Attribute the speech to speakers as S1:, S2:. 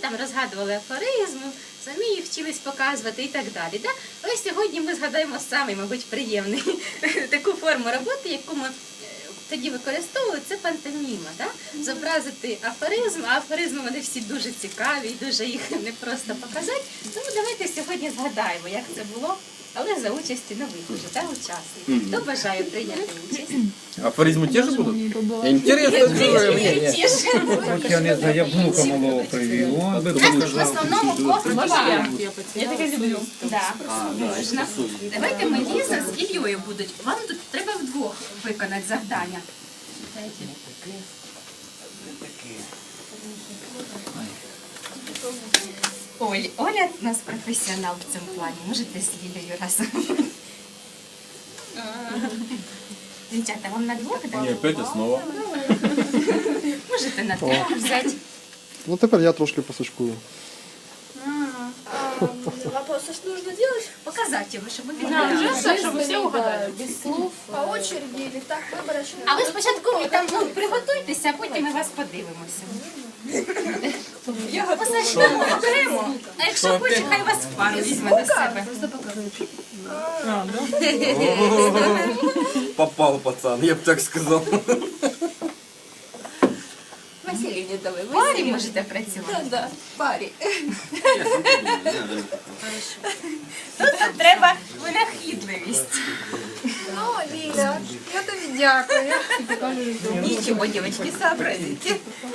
S1: там розгадували афоризми, самі їх вчились показувати і так далі. Да? Ось сьогодні ми згадаємо самий, мабуть, приємний таку форму роботи, яку ми тоді використовували, це пантоміма. Да? Зобразити афоризм, а афоризми вони всі дуже цікаві і дуже їх непросто показати. Тому давайте сьогодні згадаємо, як це було, але за участі нових уже, да, учасників. Хто бажає прийняти участь?
S2: Афоризмы те же будут? Интересно.
S3: Я не знаю, я внука малого привів. Он би
S1: В
S3: показав.
S1: основному кожен. Я таке люблю. Да, можна. Давайте ми Ліза з Іллею будуть. Вам тут треба вдвох виконати завдання. Оля у нас професіонал в цьому плані. Можете з Лілею разом. Дівчата, вам на двох? Да?
S2: Не, опять основа.
S1: Можете на трьох взяти.
S4: Ну тепер я трошки посачкую.
S5: Вопрос, а что нужно делать?
S1: Показати його, щоб ви
S5: Да,
S1: відповіли.
S5: чтобы все угадали. Без слов, по очереди или так выборочно.
S1: А ви спочатку там приготуйтеся, а потім ми вас подивимося. Позначимо окремо. А якщо хоче, хай вас в пару візьме до себе.
S2: Попал пацан, я бы так сказал.
S5: Василий не давай.
S1: В парі можете працювати.
S5: Да, паре.
S1: Тут треба винахідливість.
S5: Ну, Лиля, я тобі дякую.
S1: Нічого, дівчатки, сообразите.